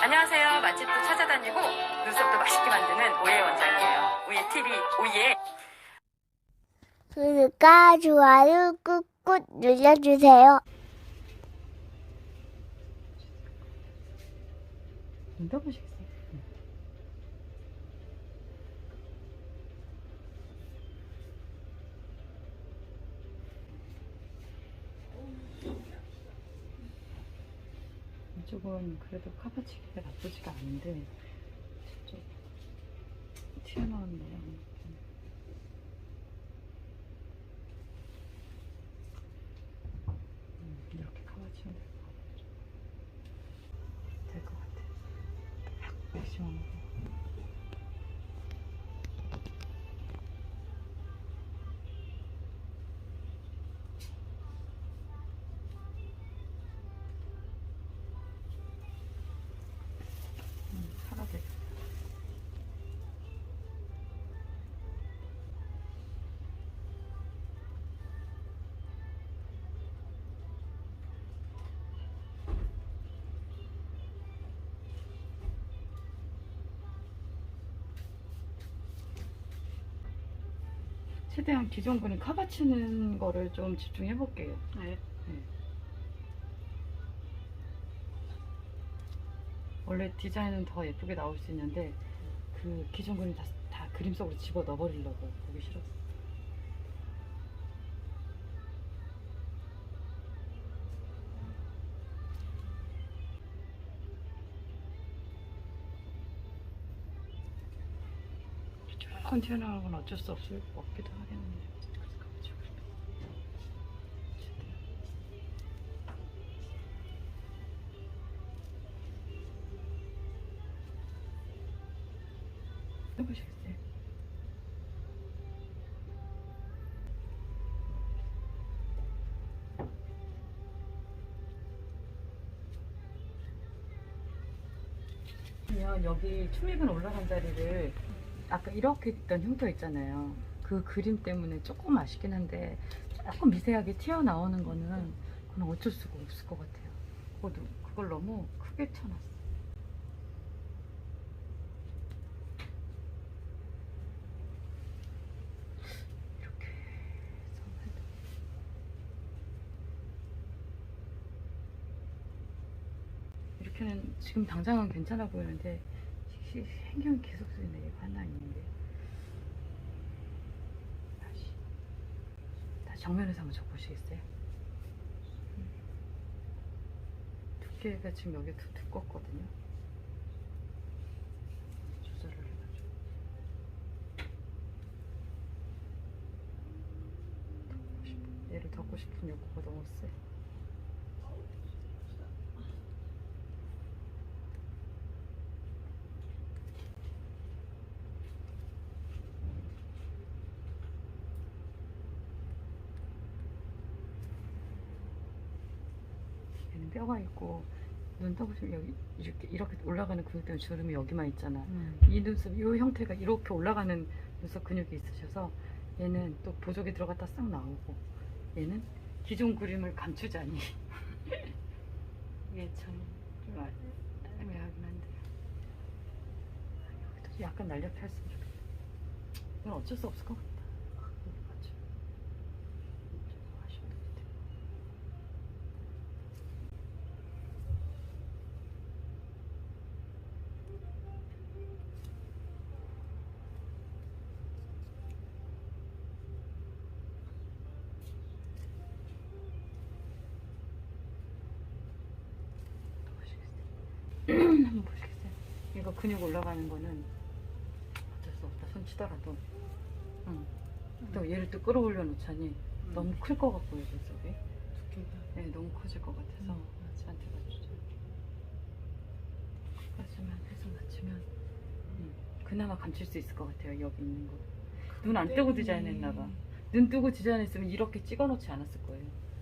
안녕하세요. 맛집도 찾아다니고 눈썹도 맛있게 만드는 오예 원장이에요. 오예 TV 오예. 구독과 좋아요 꾹꾹 눌러주세요. 눈 떠보시겠어요? 이쪽은 그래도 카바치기가 나쁘지가 않은데 저쪽 튀어나온 모양. 이렇게 카바치면 될 것 같아. 맥시멈. 파란색. 최대한 기존 분이 카바치는 거를 좀 집중해 볼게요. 네. 원래 디자인은 더 예쁘게 나올 수 있는데 그 기존 그림 다 그림 속으로 집어 넣어버리려고 보기 싫었어. 조금 튀어나오는 건 어쩔 수 없기도 하겠는데. 해보시겠어요? 그러면 여기 추미근 올라간 자리를 아까 이렇게 있던 흉터 있잖아요. 그 그림 때문에 조금 아쉽긴 한데 조금 미세하게 튀어나오는 거는 그건 어쩔 수가 없을 것 같아요. 그걸 너무 크게 쳐놨어. 이렇게 해서 해도 이렇게는 지금 당장은 괜찮아 보이는데 신경이 계속 쓰이네. 이거 하나 있는데 다시 정면에서 한번 적보시겠어요? 두께가 지금 여기 두껍거든요. 조절을 해가지고 얘를 덮고 싶은 욕구가 너무 세. 얘는 뼈가 있고 눈 떠보시면 여기 이렇게 올라가는 근육 때문에 주름이 여기만 있잖아. 이 눈썹 이 형태가 이렇게 올라가는 눈썹 근육이 있으셔서 얘는 또 보조개 들어갔다 싹 나오고 얘는 기존 그림을 감추자니 이게 참 좀 애매하긴 한데 여기도 약간 날렵해 했으면 좋겠다. 이건 어쩔 수 없을 것 같다. 맞아. 좀 아쉬운 것 같아. 한번 보시겠어요? 이거 근육 올라가는 거는 어쩔 수 없다. 손 치더라도. 응. 또 얘를 또 끌어올려 놓자니 너무 클 것 같고요, 눈썹이. 두께가. 네, 너무 커질 것 같아서 저한테 맞추죠. 끝까지만 해서 맞추면 그나마 감출 수 있을 것 같아요, 여기 있는 거. 눈 안 뜨고 디자인했나 봐. 눈 뜨고 디자인했으면 이렇게 찍어 놓지 않았을 거예요.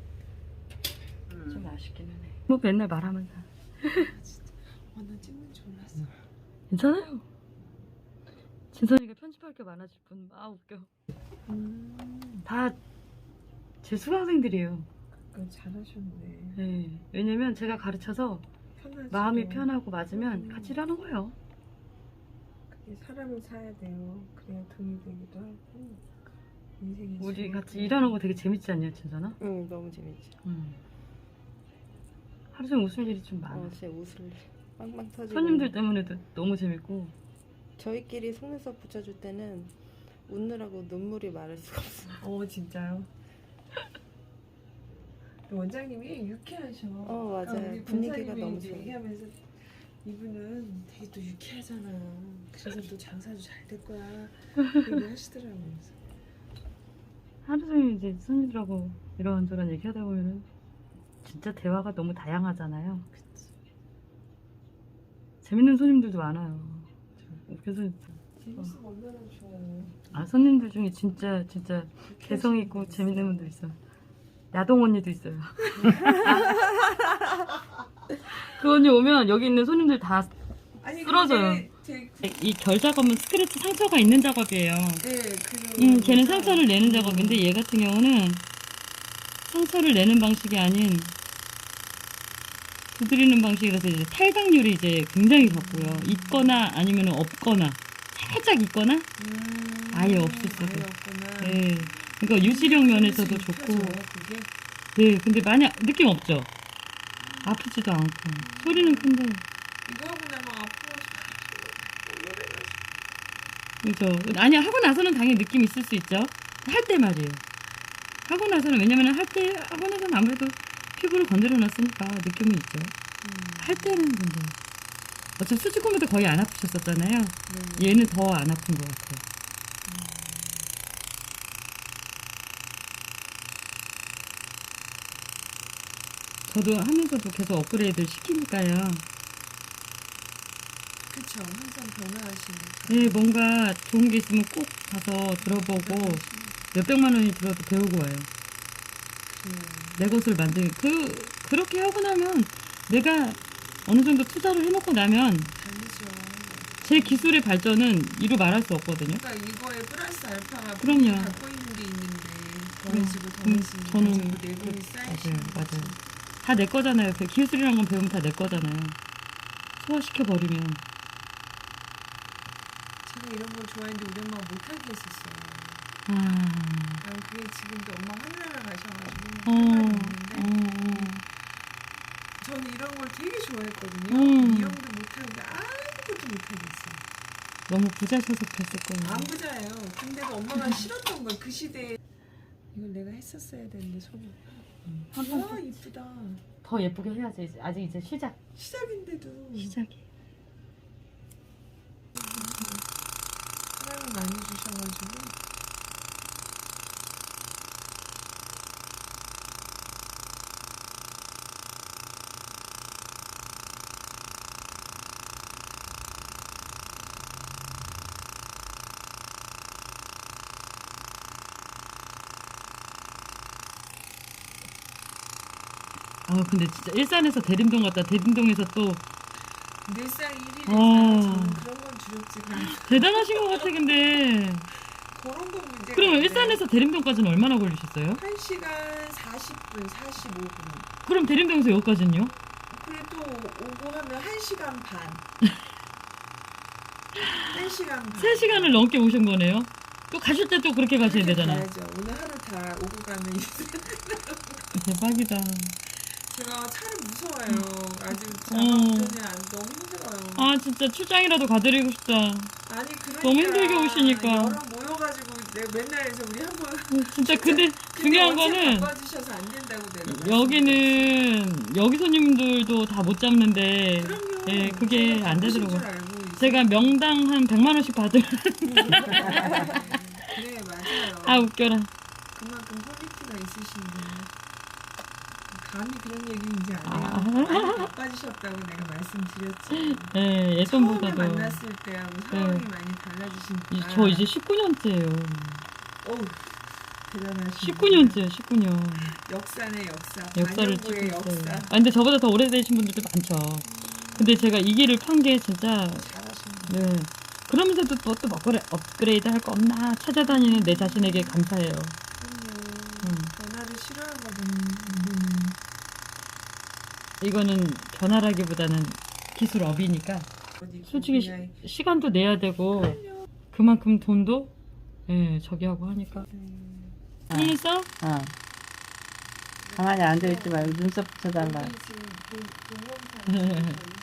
좀 아쉽기는 해. 뭐 맨날 말하면 다. 진짜 완전 찍는 줄 몰랐어. 괜찮아요. 진선이가 편집할 게 많아질 뿐. 아 웃겨. 다 제 수강생들이에요. 잘하셨네. 네. 왜냐면 제가 가르쳐서 편하지. 마음이 편하고 맞으면 같이 일하는 거예요. 그게 사람을 사야 돼요. 그래야 돈이 되기도 하고 인생이. 우리 같이 일하는 거 되게 재밌지 않냐, 진짜나? 응, 너무 재밌지. 하루 종일 웃을 일이 좀 많아. 진짜 웃을 일 빵빵 터지고. 손님들 때문에도 너무 재밌고. 저희끼리 속눈썹 붙여줄 때는 웃느라고 눈물이 마를 수가 없어. 진짜요? 원장님이 유쾌하셔. 맞아요. 아까 우리 분위기가 본사님이 너무 이제 좋아요. 얘기하면서 이분은 되게 또 유쾌하잖아. 그래서 또 장사도 잘 될 거야. 얘기하시더라고요. 하루 종일 이제 손님들하고 이런저런 얘기하다 보면은 진짜 대화가 너무 다양하잖아요. 재밌는 손님들도 많아요. 그래서 재밌으면 얼마나 좋아요. 손님들 중에 진짜 개성 있고 재밌는 분들 있어. 야동 언니도 있어요. 그 언니 오면 여기 있는 손님들 다 아니 쓰러져요. 제 이 결 작업은 스크래치 상처가 있는 작업이에요. 네, 걔는 상처를 내는 작업인데 얘 같은 경우는 상처를 내는 방식이 아닌 두드리는 방식이라서 이제 탈각률이 이제 굉장히 적고요. 있거나 아니면 없거나 살짝 있거나 아예 없을 수도. 아예 없구나. 네. 그러니까 유지력 면에서도 그래서 좋고. 입혀져요, 그게? 네. 근데 만약 느낌 없죠. 아프지도 않고 소리는 큰데. 이거 하고 나면 앞으로 그죠. 아니야 하고 나서는 당연히 느낌 있을 수 있죠. 할 때 말이에요. 하고 나서는 왜냐면 하고 나서는 아무래도 피부를 건드려 놨으니까 느낌은 있죠. 할 때는 근데 어차피 수지코면도 거의 안 아프셨었잖아요. 얘는 더 안 아픈 것 같아요. 저도 하면서도 계속 업그레이드를 시키니까요. 그쵸. 항상 변화하시니까. 네, 뭔가 좋은 게 있으면 꼭 가서 들어보고 몇백만 원이 들어도 배우고 와요. 내 것을 그렇게 하고 나면 내가 어느 정도 투자를 해놓고 나면 다르죠. 제 기술의 발전은 이루 말할 수 없거든요. 그러니까 이거에 플러스 알파가 그럼요. 갖고 있는 게 있는데 더해지고 더해지고 저는 자꾸 내분이 쌓이시는 맞아요. 거죠. 다 내 거잖아요. 그 기술이란 건 배우면 다 내 거잖아요. 소화시켜버리면. 제가 이런 걸 좋아했는데 우리 엄마가 못하게 했었어요. 난 그게 지금도 엄마 하늘나라 가셔가지고 상관이 없는데 저는 이런 걸 되게 좋아했거든요. 미용도 못하고 아무것도 못하게 했어요. 너무 부자셔서 그랬을 거예요. 안 부자예요. 근데도 엄마가 싫었던 거예요. 그 시대에 이걸 내가 했었어야 되는데 손이. 와 이쁘다. 더 예쁘게 해야지. 아직 이제 시작. 시작인데도 시작이. 사랑을 많이 주셔가지고 근데 진짜 일산에서 대림동 갔다 대림동에서 또 늘상 1일에서 저는 그런 건 두렵지가 않아요. 대단하신 것 같아. 근데 그런 건 문제가 그러면 없어요. 일산에서 대림동까지는 얼마나 걸리셨어요? 1시간 40분, 45분. 그럼 대림동에서 여기까지는요? 그래도 오고 하면 1시간 반. 1시간 반. 3시간을 넘게 오신 거네요. 또 가실 때 또 그렇게 가셔야 그렇게 되잖아요. 가야죠. 오늘 하루 다 오고 가는 대박이다. 제가 차를 무서워요. 아직 자가운전이 너무 힘들어요. 진짜 출장이라도 가드리고 싶다. 아니 그러니까 너무 힘들게 오시니까. 여러 모여가지고 내가 맨날 해서 우리 한번 진짜 근데 중요한 거는 바꿔주셔서 안 된다고 내가 여기는 여기 손님들도 다 못 잡는데 그럼요. 예, 그게 안 되더라고요. 줄 알고 있어요. 제가 명당 한 100만 원씩 받을 네 맞아요. 웃겨라. 그만큼 퀄리티가 있으신데 감히 그런 얘기 이제 안 해요. 많이 바빠지셨다고 내가 말씀드렸지. 예, 처음에 예전보다도 만났을 때하고 상황이 많이 달라지시니까. 저 이제 19년째예요. 어우 대단하시네. 19년째요, 19년. 역사네 역사. 역사를 찍고 반영구의 있어요. 역사. 근데 저보다 더 오래되신 분들도 많죠. 근데 제가 이 길을 판 게 진짜 잘하시네. 네. 그러면서도 또 업그레이드 할 거 없나 찾아다니는 내 자신에게 감사해요. 그럼요. 변화를 싫어하거든. 이거는 변화라기보다는 기술업이니까 어디 솔직히 그냥 시간도 내야 되고 그만큼 돈도 예 저기 하고 하니까. 했어? 어. 가만히 앉아있지 말고 눈썹 붙여달라. 여기 지금 동영상 유튜버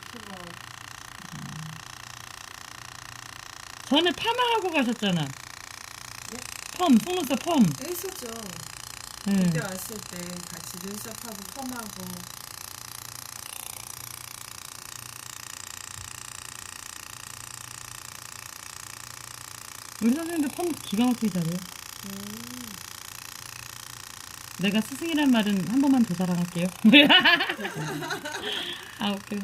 전에 파마하고 가셨잖아. 펌, 속눈썹 펌. 했었죠. 예. 그때 왔을 때 같이 눈썹하고 펌하고 우리 선생님도 펌 기가 막히게 잘해요. 내가 스승이란 말은 한 번만 더 자랑할게요. 아, 웃겨.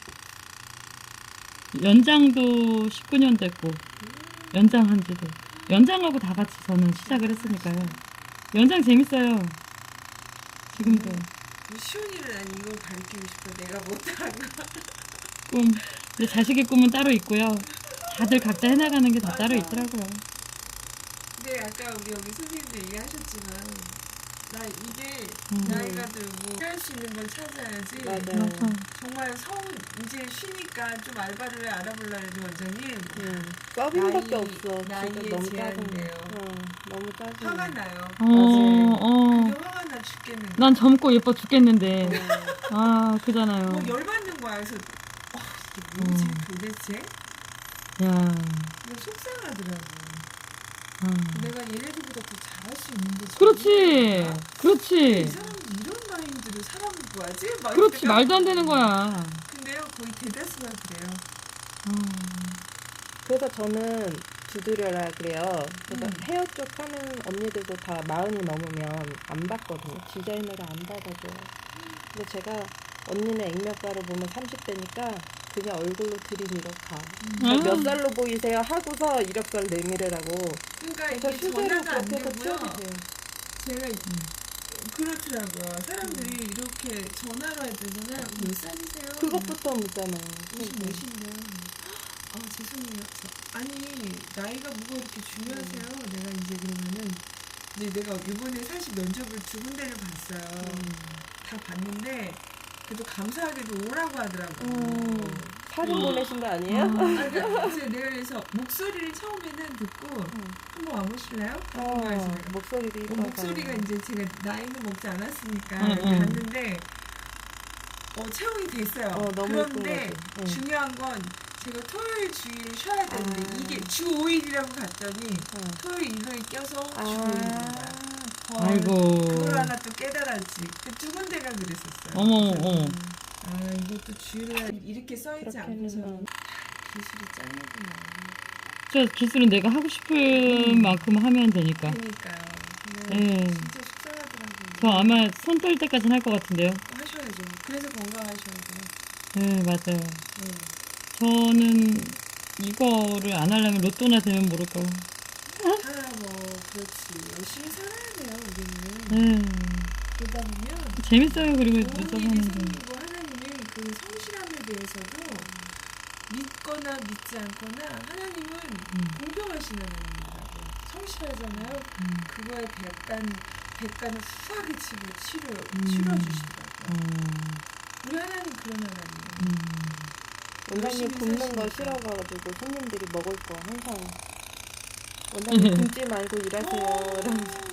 연장도 19년 됐고, 연장한 지도. 연장하고 다 같이 저는 시작을 했으니까요. 연장 재밌어요. 지금도. 시온이를 난 이걸 가르치고 싶어. 내가 못한 거. 꿈. 근데 자식의 꿈은 따로 있고요. 다들 각자 해나가는 게 다 따로 있더라고요. 근데 아까 우리 여기 선생님도 얘기하셨지만 나 이게 음. 나이가 들고 할 수 있는 걸 찾아야지. 맞아요. 맞아. 정말 이제 쉬니까 좀 알바를 알아보려 해도 원장님 서빙밖에 나이- 없어. 나이에 진짜 너무 제한이네요. 짜증나. 너무 짜증나. 화가 나요. 어. 그게 화가 나 죽겠는데. 난 젊고 예뻐 죽겠는데. 아, 그잖아요. 뭐 열받는 거야. 그래서 이게 뭐지 도대체? 야. 이거 속상하더라고. 아. 내가 얘네들보다 더 잘할 수 있는데. 그렇지. 이 그렇지. 사람이 이런 마인드로 사람을 구하지? 막 그렇지. 이렇게 말도 안 되는 거야. 근데요 거의 대다수가 그래요. 그래서 저는 두드려라 그래요. 그래서 음. 헤어 쪽 하는 언니들도 다 40이 넘으면 안 받거든요. 디자이너를 안 받아줘요. 근데 제가 언니는 액면가로 보면 30대니까 그냥 얼굴로 들이밀어 가. 몇 살로 보이세요? 하고서 이력서를 내밀으라고. 그러니까 그래서 이게 실제로 전화가 안 그렇게 해서 되고요. 취업이 돼요. 제가 그렇더라고요. 사람들이 이렇게 전화로 할 때는 몇 살이세요? 그것부터 묻잖아요. 무슨 몇인데요? 아 죄송해요. 아니 나이가 뭐가 이렇게 중요하세요? 내가 이제 그러면은 이제 내가 이번에 사실 면접을 2군데를 봤어요. 다 봤는데 그래도 감사하게도 오라고 하더라고. 사진 보내신 거 아니에요? 아, 그러니까 이제 내가 그래서 목소리를 처음에는 듣고 한번 와보실래요? 그래서 내가 목소리도 이뻐서. 목소리가 이제 제가 나이는 먹지 않았으니까 응, 응. 갔는데 채용이 됐어요. 너무 그런데 예쁜 거지. 중요한 건 제가 토요일 주일을 쉬어야 되는데 이게 주 5일이라고 갔더니 토요일 일요일 껴서 주 5일인 거야. 아이고. 그걸 하나 또 깨달았지. 그 2군데가 그랬었어요. 어머, 그래서 어머. 아 이것도 주일날 이렇게 써있지 않고서 그렇게는 기술이 짱이구나. 저 기술은 내가 하고 싶은 만큼 하면 되니까. 그러니까요. 예. 진짜 속상하더라고요. 저 아마 손 떨 때까지는 할 것 같은데요. 하셔야죠. 그래서 건강하셔야 돼요. 네, 맞아요. 네. 저는 이거를 안 하려면 로또나 되면 모를까. 하나 뭐 그렇지. 열심히 살아야 돼요. 우리는. 네. 그러다 보면 재밌어요. 그리고 좋은 눈썹 일이 하는 게. 생기고 하나님은 그 성실함에 대해서도 믿거나 믿지 않거나 하나님은 공평하신 하나님이라고. 성실하잖아요. 그거에 백간을 후하게 치러주시더라고요. 우리 하나님 그런 하나님이에요. 원장님 열심히 굽는 거 사시니까. 싫어가지고 손님들이 먹을 거 항상 원장님 굶지 말고 일하세요. 이러면서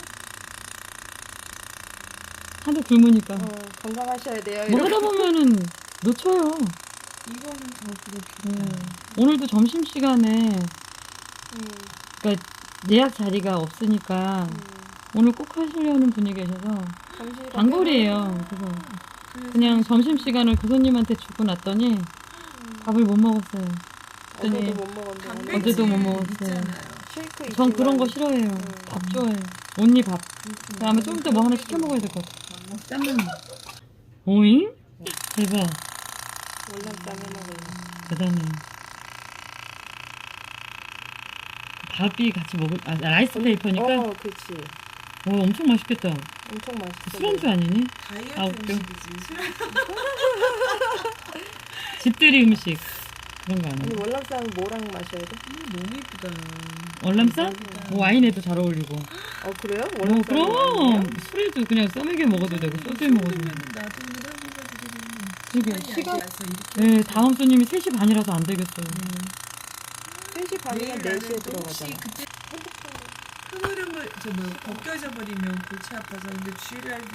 하도 굶으니까. 건강하셔야 돼요. 뭐 이렇게. 하다 보면은 놓쳐요. 이거는 더 그렇겠다. 네. 오늘도 점심시간에 그러니까 예약 자리가 없으니까 오늘 꼭 하시려는 분이 계셔서 단골이에요. 그래서 그냥 점심시간을 그 손님한테 주고 났더니 밥을 못 먹었어요. 그랬더니 어제도 못 먹었는데 단백질 어제도 못 먹었어요. 있잖아요. 쉐이크 전 그런 거 있지만 싫어해요. 밥 좋아해요. 온리 밥. 아마 좀 이따 뭐 하나 시켜 먹어야 될 것 같아. 땀나. 오잉? 대박. 월남쌈 해먹어요. 대단해. 밥이 같이 먹을, 라이스 페이퍼니까? 그렇지. 엄청 맛있겠다. 엄청 맛있어. 술안주 아니니? 다이어트 아, 웃겨. 음식이지. 술 집들이 음식. 그런 거 아니 아니야? 월남쌈 뭐랑 마셔야 돼? 너무 이쁘다. 월남쌈? 와인에도 잘 어울리고. 그래요? 그럼 월남쌈 술에도 그냥 써먹여 먹어도 되고 소주에 먹어도 되고. 나도 오늘 한국가 되게 이게 시간이 시간, 안 돼서 이렇게 네, 다음 손님이 3시 반이라서 안 되겠어요. 3시 반이면 내일 4시에 나는 또 혹시 들어가잖아. 그때 흐름을 벗겨져 버리면 골치 아파서 근데 주일날도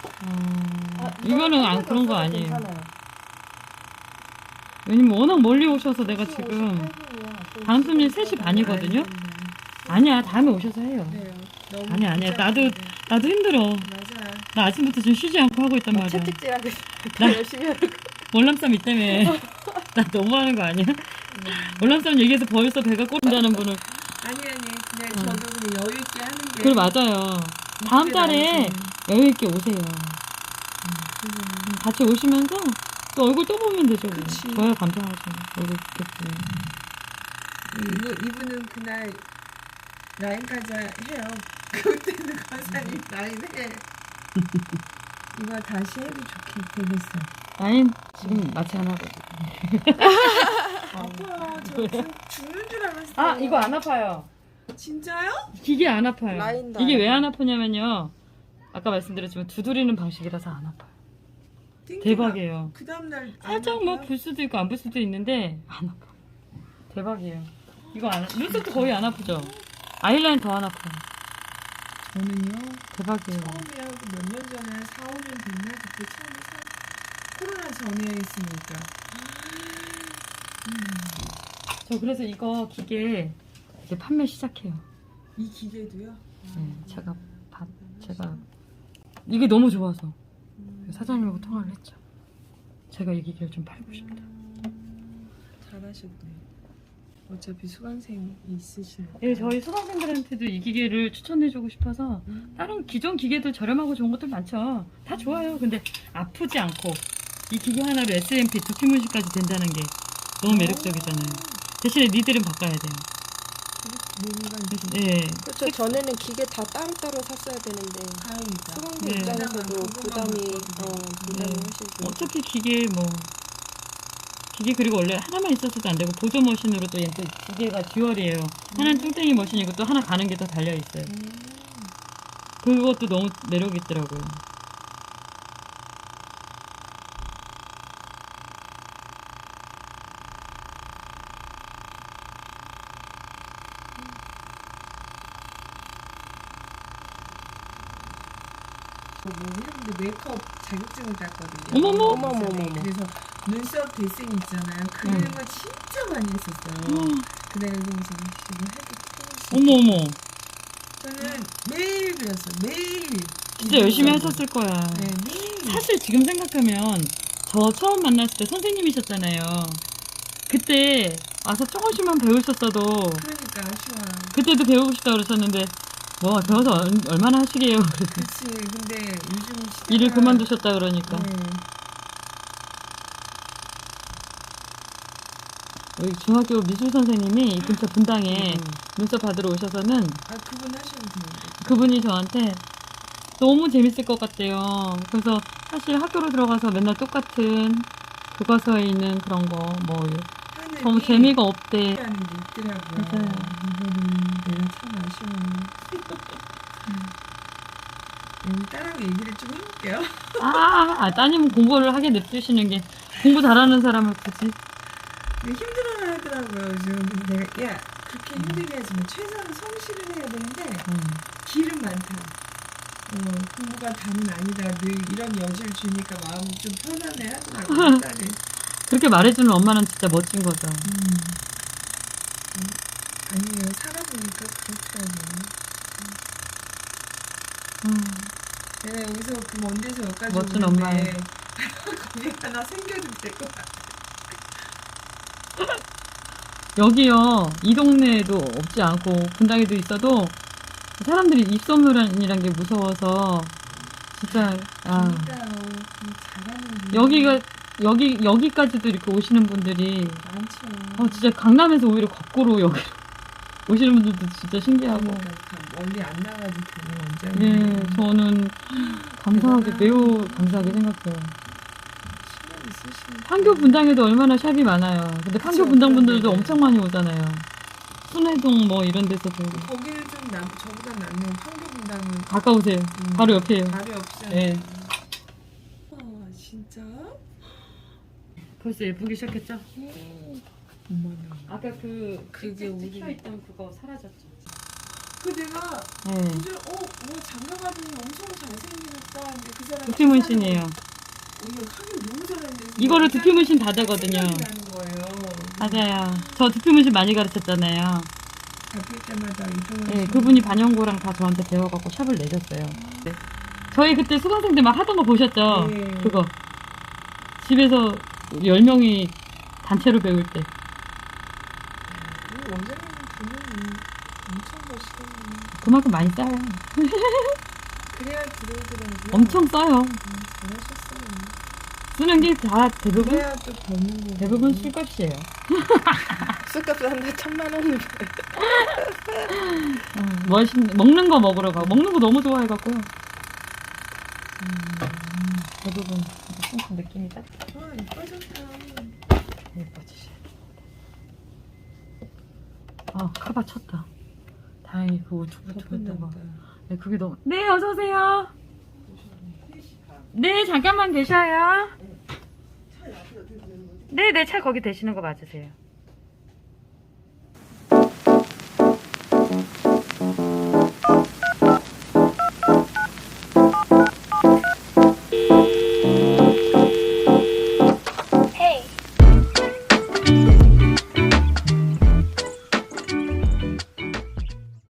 이거는 안 그런 거 아니에요. 괜찮아요. 왜냐면 워낙 멀리 오셔서 내가 지금 다음 손님 3시 반이거든요. 아니야, 다음에 오셔서 해요. 그래요. 너무 아니야. 복잡한데. 나도 힘들어. 맞아. 나 아침부터 지금 쉬지 않고 하고 있단 말이야. 채찍질하고 나- 열심히 하고. 월남쌈 있다며. 나 너무하는 거 아니야? 월남쌈 얘기해서 벌써 배가 꼬른다는 분을. 아니 그냥 저도 그냥 여유 있게 하는 게 그래, 맞아요. 다음 달에 여유있게 오세요. 같이 오시면서 또 얼굴 또 보면 되죠. 뭐. 그치. 저야 감사하죠. 얼굴 뵙겠지. 이분은 그날 라인까지 해요. 그때는 권사님 라인 해. 이거 다시 해도 되겠어. 아니, 지금 마취 안 하고. 아파요. 저 죽는 줄 알았어요. 아, 이거 안 아파요. 진짜요? 기계 안 아파요. 라인 이게 왜 다 안 아프냐면요. 아까 말씀드렸지만 두드리는 방식이라서 안 아파요. 띵띵아. 대박이에요. 그 다음날 살짝 뭐 불 수도 있고 안 불 수도 있는데 안 아파. 대박이에요. 이거 안 눈썹도 거의 안 아프죠? 아이라인 더 안 아파요. 저는요 대박이에요. 처음에 하고 몇 년 전에 한 4, 5년 됐나? 그때 처음에 코로나 전에 했으니까 저 그래서 이거 기계 이제 판매 시작해요. 이 기계도요? 네, 제가 이게 너무 좋아서 사장님하고 통화를 했죠. 제가 이 기계를 좀 팔고 싶다. 잘하셨네. 어차피 수강생이 있으시니까. 네, 저희 수강생들한테도 이 기계를 추천해주고 싶어서 다른 기존 기계들 저렴하고 좋은 것들 많죠. 다 좋아요. 근데 아프지 않고 이 기계 하나로 SMP 두피 문신까지 된다는 게 너무 매력적이잖아요. 대신에 니들은 바꿔야 돼요. 뭔가 네. 그렇죠. 전에는 기계 다 따로따로 샀어야 되는데 다행이다. 수강생 네. 입장에서도 그나마 부담이 그거만 부담이 네. 훨씬 좀. 어차피 기계 그리고 원래 하나만 있었어도 안 되고 보조 머신으로 또 얘는 또 기계가 듀얼이에요. 하나는 뚱땡이 머신이고 또 하나 가는 게 더 달려 있어요. 그것도 너무 매력 있더라고요. 근데 메이크업 자격증을 땄거든요. 어머머. 어머머머. 그래서 눈썹 데생 있잖아요. 그리는 거 진짜 많이 했었어요. 그래서 지금 해도 어머. 저는 매일 그렸어요. 매일. 진짜 열심히 하셨을 거야. 네, 매일. 사실 지금 생각하면 저 처음 만났을 때 선생님이셨잖아요. 그때 와서 조금씩만 배우셨어도 그러니까 아쉬워요. 그때도 배우고 싶다 그러셨는데 뭐 배워서 얼마나 하시게요. 그치. 근데 요즘 시대가 일을 그만두셨다 그러니까. 네. 여기 중학교 미술 선생님이 이 근처 분당에 눈썹 받으러 오셔서는 아 그분 하셔도 되는데. 그분이 저한테 너무 재밌을 것 같대요. 그래서 사실 학교로 들어가서 맨날 똑같은 교과서에 있는 그런 거 뭐 하늘이 너무 재미가 없대. 하는 게 있더라고요. 맞아요. 이거는 내가 참 아쉬워요. 딸하고 얘기를 좀 해볼게요. 따님은 공부를 하게 냅두시는 게 공부 잘하는 사람을 굳이. 근데 힘들어는 하더라고요. 요즘 근데 내가 야 그렇게 힘들게 하지만 최소한 성실을 해야 되는데 길은 많다. 공부가 다는 아니다. 늘 이런 여지를 주니까 마음이 좀 편안해 하더라고요. 딸이. 그렇게 말해주는 엄마는 진짜 멋진 거죠. 아니에요. 살아보니까 그렇더라고요. 내가 여기서 그 먼 데서 여기까지 멋진 오는데 엄마예요. 거기 하나 생겨도 될 것 같아. 여기요, 이 동네에도 없지 않고 분당에도 있어도 사람들이 입소문이란 게 무서워서 진짜 그러니까요. 잘하는 분 여기까지도 이렇게 오시는 분들이 많죠. 진짜 강남에서 오히려 거꾸로 여기 오시는 분들도 진짜 신기하고. 그러니까 멀리 안 나가도 되는 원장님. 예, 저는 감사하게 매우 감사하게 생각해요. 신경 있으시니까. 판교 분당에도 얼마나 샵이 많아요. 근데 판교 그쵸, 분당 분들도 그런데. 엄청 많이 오잖아요. 순회동 뭐 이런 데서도 거기는 좀 저보다 낫네요. 판교분당은 가까우세요. 바로 옆이에요. 바로 옆이잖아요. 예. 진짜? 벌써 예쁘기 시작했죠? 어머나. 아까 그 그게 우리- 찍혀있던 그거 사라졌죠? 그 내가 네. 이제 뭐 장가가더니 엄청 잘생기셨다. 근데 그 사람 두피문신이에요. 이거 하긴 너무 잘했는데 이거를 두피문신 다 되거든요. 생각이 나는 거예요. 맞아요. 저 두피문신 많이 가르쳤잖아요. 바뀔 때마다 이동을 네, 그분이 반영고랑 다 저한테 배워갖고 샵을 내줬어요. 네. 저희 그때 수강생들 막 하던 거 보셨죠? 네. 그거. 집에서 10명이 단체로 배울 때. 원장님 분은 엄청 멋있겠네. 그만큼 많이 써요. 그래야 들어오더라고요. 엄청 써요. 잘하셨어요. 쓰는 게 다 대부분, 그래야 또 버는 거. 대부분 술값이에요. 술값 하는데 1000만 원. 먹는 거 먹으러 가고, 먹는 거 너무 좋아해갖고요. 대부분 조금 느낌이 딱 이뻐졌다. 예뻐지셔야 돼. 아, 카바 쳤다. 다행히 그 우측부터 했다가. 네, 그게 너무. 네, 어서오세요. 네, 잠깐만 계셔요. 네, 네, 차 거기 대시는 거 맞으세요.